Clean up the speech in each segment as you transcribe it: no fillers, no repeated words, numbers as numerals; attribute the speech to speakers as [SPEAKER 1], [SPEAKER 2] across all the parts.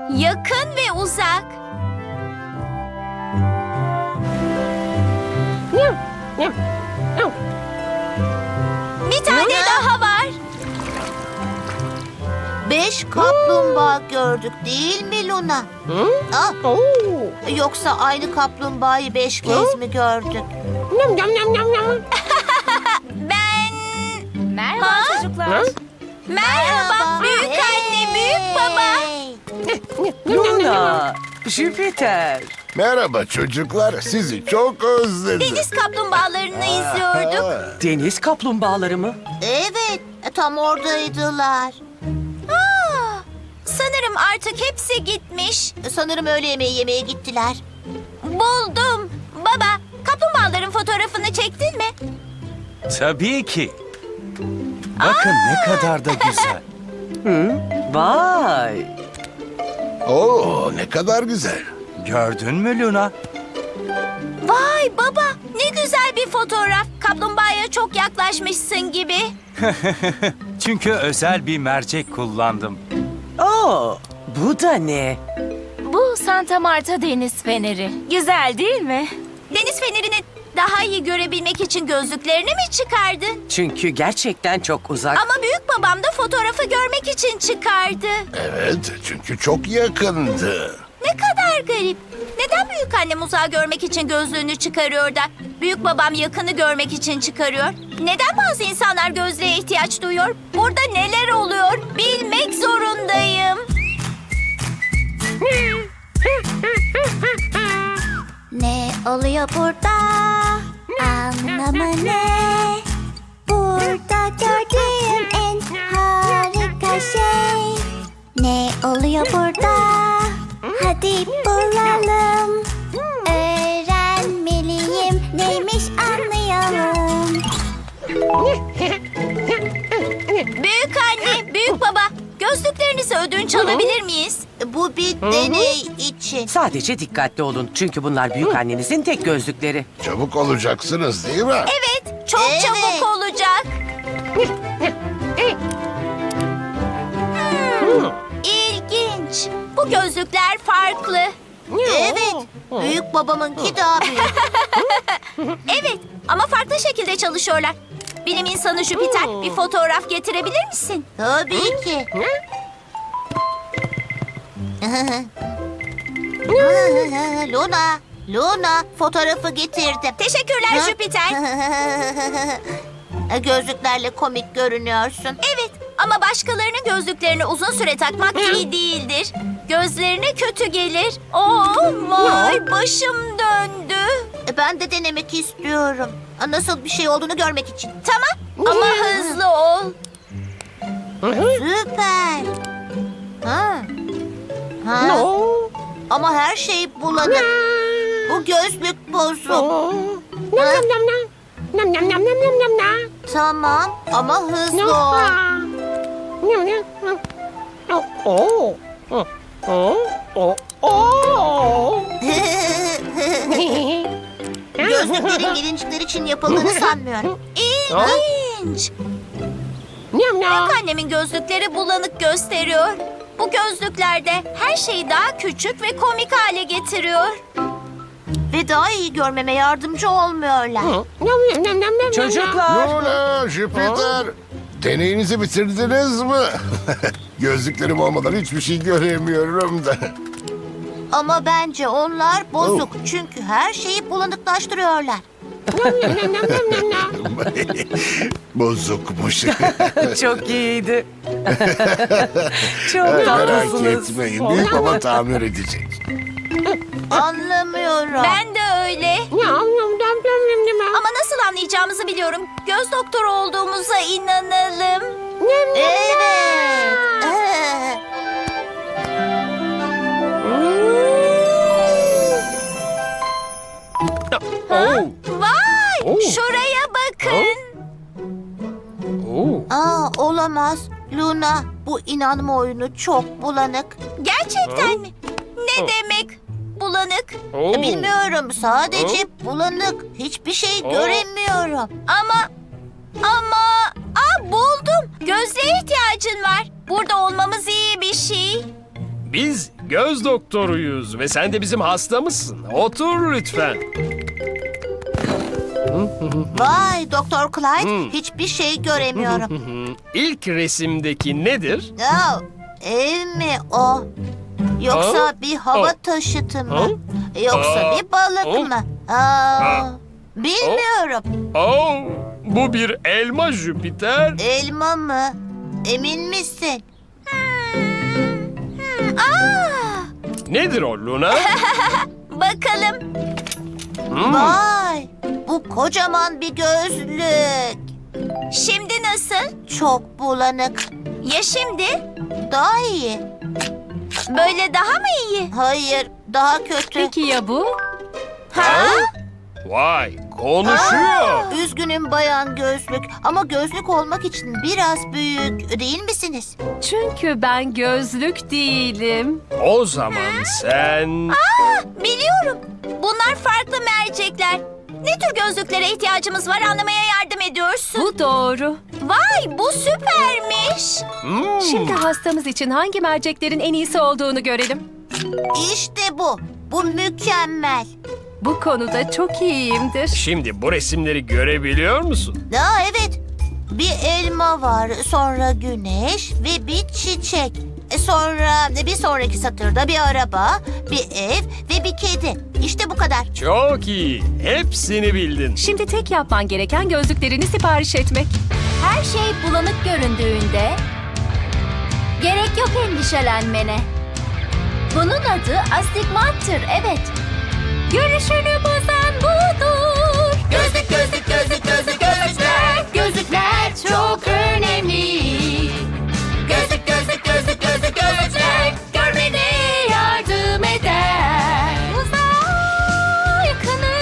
[SPEAKER 1] Yakın ve uzak. Bir tane daha var.
[SPEAKER 2] 5 kaplumbağa gördük değil mi Luna? Ah, yoksa aynı kaplumbağayı 5 kez mi gördük?
[SPEAKER 1] Ben...
[SPEAKER 3] Merhaba çocuklar.
[SPEAKER 1] Merhaba büyük anne, büyük baba.
[SPEAKER 4] Luna, Jüpiter.
[SPEAKER 5] Merhaba çocuklar, sizi çok özledim.
[SPEAKER 1] Deniz kaplumbağalarını izliyorduk.
[SPEAKER 4] Deniz kaplumbağaları mı?
[SPEAKER 2] Evet, tam oradaydılar.
[SPEAKER 1] Sanırım artık hepsi gitmiş.
[SPEAKER 2] Sanırım öğle yemeği yemeye gittiler.
[SPEAKER 1] Buldum. Baba, kaplumbağaların fotoğrafını çektin mi?
[SPEAKER 6] Tabii ki. Bakın ne kadar da güzel.
[SPEAKER 4] Vay.
[SPEAKER 5] Oo, ne kadar güzel.
[SPEAKER 6] Gördün mü Luna?
[SPEAKER 1] Vay baba, ne güzel bir fotoğraf. Kaplumbağaya çok yaklaşmışsın gibi.
[SPEAKER 6] Çünkü özel bir mercek kullandım.
[SPEAKER 4] Oo, bu da ne?
[SPEAKER 3] Bu Santa Marta Deniz Feneri. Güzel değil mi?
[SPEAKER 1] Deniz fenerini daha iyi görebilmek için gözlüklerini mi çıkardın?
[SPEAKER 4] Çünkü gerçekten çok uzak.
[SPEAKER 1] Ama büyük babam da fotoğrafı görmek için çıkardı.
[SPEAKER 5] Evet, çünkü çok yakındı.
[SPEAKER 1] Ne kadar garip. Neden büyük annem uzağı görmek için gözlüğünü çıkarıyor da büyük babam yakını görmek için çıkarıyor? Neden bazı insanlar gözlüğe ihtiyaç duyuyor? Burada neler oluyor? Bilmek zorundayım. Ne oluyor burada? Anlamı ne? Burada gördüğüm en harika şey. Ne oluyor burada? Hadi bulalım. Öğrenmeliyim. Neymiş anlayalım. Büyük anne, büyük baba, gözlüklerinizi ödünç alabilir miyiz?
[SPEAKER 2] Bu bir deney için.
[SPEAKER 4] Sadece dikkatli olun. Çünkü bunlar büyük annenizin tek gözlükleri.
[SPEAKER 5] Çabuk olacaksınız değil mi?
[SPEAKER 1] Evet, çok
[SPEAKER 2] Evet.
[SPEAKER 1] çabuk olacak. İlginç. Bu gözlükler farklı.
[SPEAKER 2] Evet, büyük babamınki daha büyük.
[SPEAKER 1] Evet, ama farklı şekilde çalışıyorlar. Bilim insanı Jüpiter, bir fotoğraf getirebilir misin?
[SPEAKER 2] Tabii ki. Luna, Luna, fotoğrafı getirdim.
[SPEAKER 1] Teşekkürler
[SPEAKER 2] Ha?
[SPEAKER 1] Jüpiter.
[SPEAKER 2] Gözlüklerle komik görünüyorsun.
[SPEAKER 1] Evet, ama başkalarının gözlüklerini uzun süre takmak iyi değildir. Gözlerine kötü gelir. Vay, başım döndü.
[SPEAKER 2] Ben de denemek istiyorum. Nasıl bir şey olduğunu görmek için.
[SPEAKER 1] Tamam, ama hızlı ol.
[SPEAKER 2] Süper. Ha. Ha. Ama her şey bulanık. Bu gözlük bozuk. Ha. Tamam ama hızlı ol. Gözlüklerin gelincikler için yapıldığını sanmıyorum.
[SPEAKER 1] İlginç. Büyük annemin gözlükleri bulanık gösteriyor. Bu gözlüklerde her şeyi daha küçük ve komik hale getiriyor.
[SPEAKER 2] Ve daha iyi görmeme yardımcı olmuyorlar.
[SPEAKER 4] Çocuklar.
[SPEAKER 5] Luna, Jüpiter, deneyinizi bitirdiniz mi? Gözlüklerim olmadan hiçbir şey göremiyorum da.
[SPEAKER 2] Ama bence onlar bozuk. Çünkü her şeyi bulanıklaştırıyorlar.
[SPEAKER 5] Bozukmuş.
[SPEAKER 4] Çok iyiydi. Çok
[SPEAKER 5] Merak
[SPEAKER 4] tatlısınız.
[SPEAKER 5] etmeyin, büyük baba tamir edecek.
[SPEAKER 2] Anlamıyorum.
[SPEAKER 1] Ben de öyle. Ama nasıl anlayacağımızı biliyorum. Göz doktoru olduğumuza inanalım.
[SPEAKER 2] Evet.
[SPEAKER 1] Vay! Şuraya bakın.
[SPEAKER 2] Olamaz. Luna, bu inanma oyunu çok bulanık.
[SPEAKER 1] Gerçekten mi? Ne demek bulanık?
[SPEAKER 2] Bilmiyorum, sadece bulanık. Hiçbir şey göremiyorum.
[SPEAKER 1] Ama buldum. Gözlüğe ihtiyacın var. Burada olmamız iyi bir şey.
[SPEAKER 7] Biz göz doktoruyuz ve sen de bizim hastamızsın. Otur lütfen.
[SPEAKER 2] Vay Doktor Clyde, hiçbir şey göremiyorum.
[SPEAKER 7] İlk resimdeki nedir?
[SPEAKER 2] Oh, ev mi o? Yoksa bir hava taşıtı mı? Yoksa bir balık mı? Bilmiyorum.
[SPEAKER 7] Oh, bu bir elma Jüpiter.
[SPEAKER 2] Elma mı? Emin misin?
[SPEAKER 7] Nedir o Luna?
[SPEAKER 1] Bakalım.
[SPEAKER 2] Vay, bu kocaman bir gözlük.
[SPEAKER 1] Şimdi nasıl?
[SPEAKER 2] Çok bulanık.
[SPEAKER 1] Ya şimdi?
[SPEAKER 2] Daha iyi.
[SPEAKER 1] Böyle daha mı iyi?
[SPEAKER 2] Hayır, daha kötü.
[SPEAKER 3] Peki ya bu?
[SPEAKER 1] Ha?
[SPEAKER 7] Vay, konuşuyor.
[SPEAKER 2] Üzgünüm bayan gözlük ama gözlük olmak için biraz büyük değil misiniz?
[SPEAKER 3] Çünkü ben gözlük değilim.
[SPEAKER 7] O zaman sen...
[SPEAKER 1] Biliyorum. Bunlar farklı mercekler. Ne tür gözlüklere ihtiyacımız var anlamaya yardım ediyorsun.
[SPEAKER 3] Bu doğru.
[SPEAKER 1] Vay bu süpermiş.
[SPEAKER 3] Şimdi hastamız için hangi merceklerin en iyisi olduğunu görelim.
[SPEAKER 2] İşte bu. Bu mükemmel.
[SPEAKER 3] Bu konuda çok iyiyimdir.
[SPEAKER 7] Şimdi bu resimleri görebiliyor musun?
[SPEAKER 2] Evet. Bir elma var, sonra güneş ve bir çiçek. Sonra bir sonraki satırda bir araba, bir ev ve bir kedi. İşte bu kadar.
[SPEAKER 7] Çok iyi. Hepsini bildin.
[SPEAKER 3] Şimdi tek yapman gereken gözlüklerini sipariş etmek.
[SPEAKER 1] Her şey bulanık göründüğünde gerek yok endişelenmene. Bunun adı astigmattır, evet. Görüşünü bozan budur. Gözlük, gözlük, gözlük, gözlük, gözlükler. Gözlükler çok önemli. Gözlük, gözlük, gözlük, gözlük, gözlükler. Görmene yardım eder. Uzağa yakını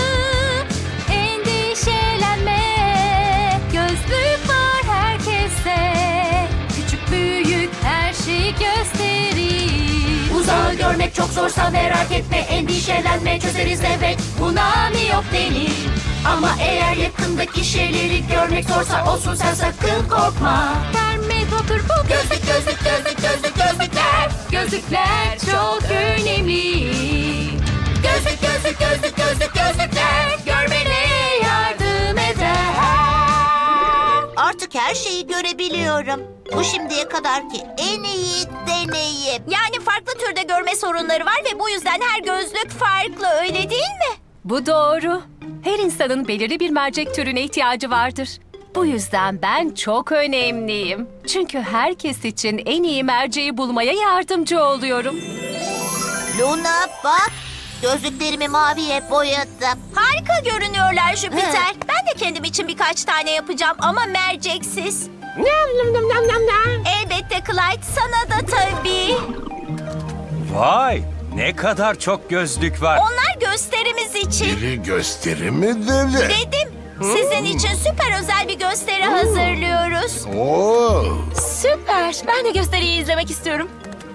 [SPEAKER 1] endişelenme. Gözlük var herkese. Küçük büyük her şeyi gösterir. Uzağı görmek çok zorsa merak etme, endişelenme, çözeriz evet. Buna miyop denir. Ama eğer yakındaki şeyleri görmek zorsa olsun sen sakın korkma. Termometre bu. Gözlük, gözlük, gözlük, gözlük, gözlükler. Gözlükler çok önemli. Gözlük, gözlük, gözlük, gözlük, gözlükler. Görmene yardım eder.
[SPEAKER 2] Artık her şeyi görebiliyorum. Bu şimdiye kadarki en iyi deneyim.
[SPEAKER 1] Yani farklı türde görme sorunları var ve bu yüzden her gözlük farklı, öyle değil mi?
[SPEAKER 3] Bu doğru. Her insanın belirli bir mercek türüne ihtiyacı vardır. Bu yüzden ben çok önemliyim. Çünkü herkes için en iyi merceği bulmaya yardımcı oluyorum.
[SPEAKER 2] Luna bak, gözlüklerimi maviye boyadım.
[SPEAKER 1] Harika görünüyorlar Jüpiter. Ben de kendim için birkaç tane yapacağım ama merceksiz. Elbette Clyde, sana da tabii.
[SPEAKER 6] Vay, ne kadar çok gözlük var.
[SPEAKER 1] Onlar gösterimiz için.
[SPEAKER 5] Biri gösteri mi dedi?
[SPEAKER 1] Dedim, sizin için süper özel bir gösteri hazırlıyoruz.
[SPEAKER 5] Oo.
[SPEAKER 3] Süper. Ben de gösteriyi izlemek istiyorum.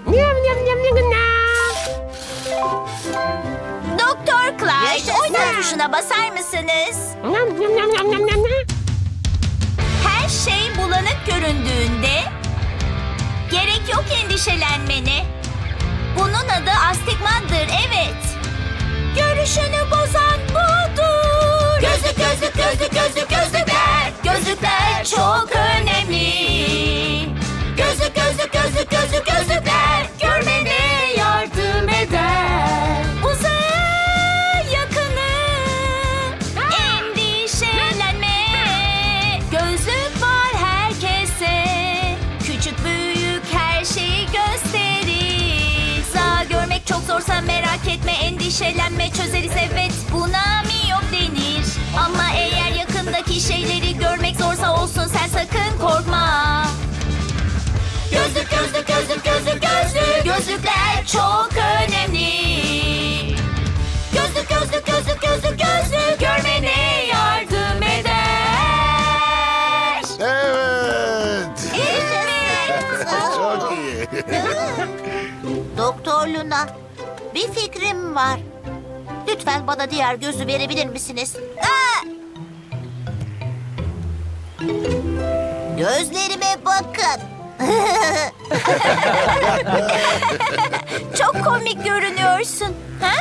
[SPEAKER 1] Doktor Clyde,
[SPEAKER 2] Yaşasın.
[SPEAKER 1] oynat tuşuna basar mısınız? Her şey bulanık göründüğünde gerek yok endişelenmene. Bunun adı astigmattır, evet. Görüşünü bozan budur. Gözlük, gözlük, gözlük, gözlük, gözlükler. Gözlükler çok önemli. Gözlük, gözlük, gözlük, gözlük, gözlükler. Görmene yardım eder. Uzağa yakını endişelenme. Gözlük var herkese. Küçük büyük her şeyi gösterir. Sağ görmek çok zorsa merak etme, endişelenme, çözeriz evet. Buna miyop denir. Ama eğer yakındaki şeyleri görmek zorsa olsun sen sakın korkma. Gözlük, gözlük, gözlük, gözlük, gözlük. Gözlükler çok önemli. Gözlük, gözlük, gözlük, gözlük, gözlük. Görmene yardım eder.
[SPEAKER 5] Evet.
[SPEAKER 1] Evet.
[SPEAKER 5] Çok iyi.
[SPEAKER 2] Doktor Luna, bir fikrim var. Lütfen bana diğer gözü verebilir misiniz? Gözlerime bakın.
[SPEAKER 1] Çok komik görünüyorsun. Ha?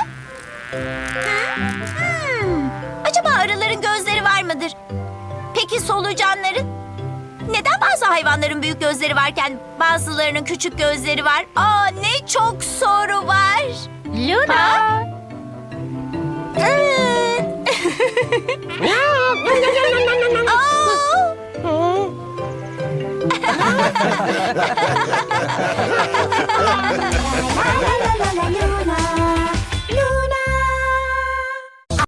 [SPEAKER 1] Acaba arıların gözleri var mıdır? Peki solucanların? Neden bazı hayvanların büyük gözleri varken bazılarının küçük gözleri var? Aa, ne çok soru var.
[SPEAKER 3] Luna!
[SPEAKER 1] Aa!